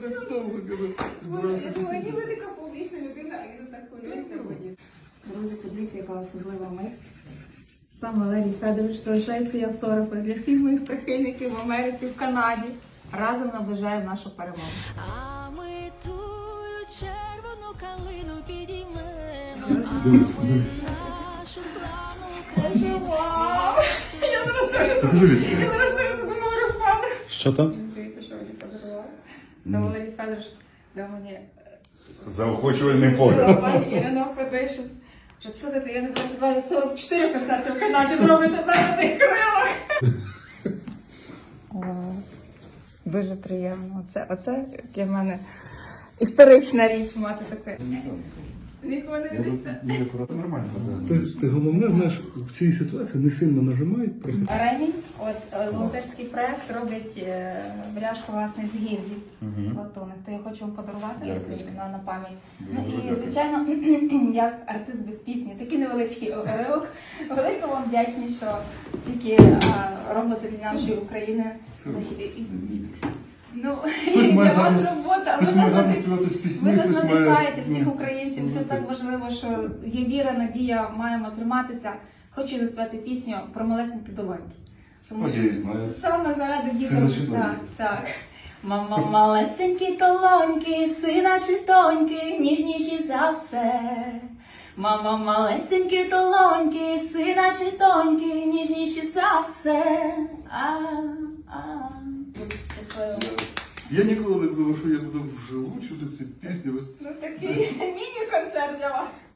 так довго Я думаю, ніби така публічна людина, а він так хвилюється. Друзі, подивіться, яка особлива мить. Сам Валерій Федорович залишає свої автографи для всіх моїх прихильників в Америці, в Канаді. Разом наближаємо нашу перемогу. А ми тую червону калину підіймемо, а ми нашу славну Україну. Я зараз теж тут говорю впаду. Що там? Дивіться, що мені подарували. Це Валерій Федорович дав мені Заохочувальний погляд. пані Ірина Федишин. Що слухайте, я не 22, я 44 концерти в Канаді зроблю тепер на тих крилах. Дуже приємно. Оце для мене історична річ мати таке. Нікого не віддасте. Нормально. Ти головне, знаєш, в цій ситуації не сильно нажимай. Ремінь, волонтерський проект роблять бляшку, власне, з гільзі латунних. То я хочу вам подарувати на пам'ять. Ну і, звичайно, як артист без пісні, такий невеличкий уривок. Велика вам вдячність, що стільки робите для нашої України. Ну, для вас робота, Хтось має гарно співати з пісні, ви нас хтось має... надихаєте всіх українців. Це так важливо, що є віра, надія, маємо триматися. Хочу заспівати пісню про малесенькі долоньки. Тому Ой, я її знаю. саме заради Сина діток. чи доньки? Так, так. Мама, малесенькі долоньки, сина чи доньки, ніжніші за все. Мама, малесенькі долоньки, сина чи доньки, ніжніші за все. Щасливо. Я ніколи не думав, що я буду вживу чути ці пісні. Ну такий міні-концерт для вас.